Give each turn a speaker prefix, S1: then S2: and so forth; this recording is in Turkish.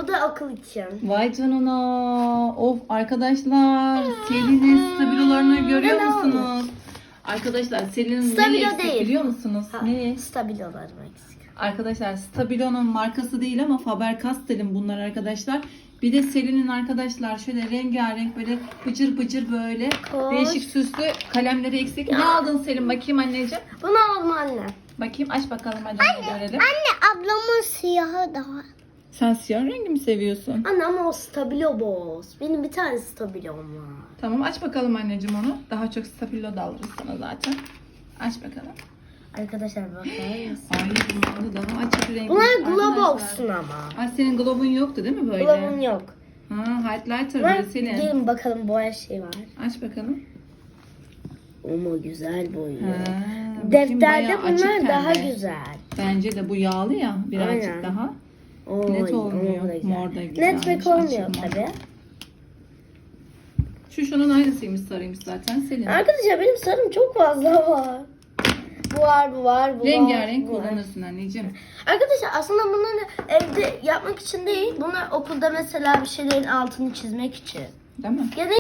S1: Bu da okul için.
S2: Vay canına. Of arkadaşlar. Selin'in stabilolarını görüyor
S1: Ne
S2: musunuz? Arkadaşlar Selin'in neyi
S1: Stabilo
S2: eksik
S1: değil.
S2: biliyor musunuz? Ne?
S1: Stabilolarım eksik.
S2: Arkadaşlar Stabilo'nun markası değil ama Faber-Castell'in bunlar arkadaşlar. Bir de Selin'in arkadaşlar şöyle rengarenk böyle bıcır bıcır böyle
S1: Koş.
S2: değişik süslü kalemleri eksik. Ne aldın Selin? Bakayım anneciğim.
S1: Bunu alma anne.
S2: Bakayım aç bakalım hadi görelim.
S1: Anne ablamın siyahı da var.
S2: Sen siyah rengi mi seviyorsun?
S1: Anne ama o stabilo boz. Benim bir tane stabilom var.
S2: Tamam aç bakalım anneciğim onu. Daha çok Stabilo da alırız sana zaten. Aç bakalım.
S1: Arkadaşlar bakar mısın?
S2: Ay bunlar da daha açık renk.
S1: Bunlar Globox'un ama.
S2: Ay senin globun yoktu değil mi böyle?
S1: Globum yok.
S2: Ha, highlighter
S1: Bunlar,
S2: böyle Selin.
S1: gelin bakalım boya şey var.
S2: Aç bakalım.
S1: Ama güzel boyuyor.
S2: Ha, bakayım,
S1: Defterde
S2: bayağı açık
S1: bunlar daha
S2: pembe.
S1: güzel.
S2: Bence de bu yağlı ya birazcık
S1: Aynen.
S2: daha.
S1: Oy,
S2: Net olmuyor.
S1: o da güzel.
S2: Mor da güzelmiş,
S1: Net pek olmuyor
S2: açık mor.
S1: tabi.
S2: Şu şunun aynısıymış sarıymış zaten Selin.
S1: Arkadaşlar benim sarım çok fazla var. Bu var, bu var, bu
S2: Rengarenk
S1: var. bu var.
S2: kullanırsın anneciğim.
S1: Arkadaşlar aslında bunları evde yapmak için değil. Bunlar okulda mesela bir şeylerin altını çizmek için.
S2: Değil mi?
S1: Ya da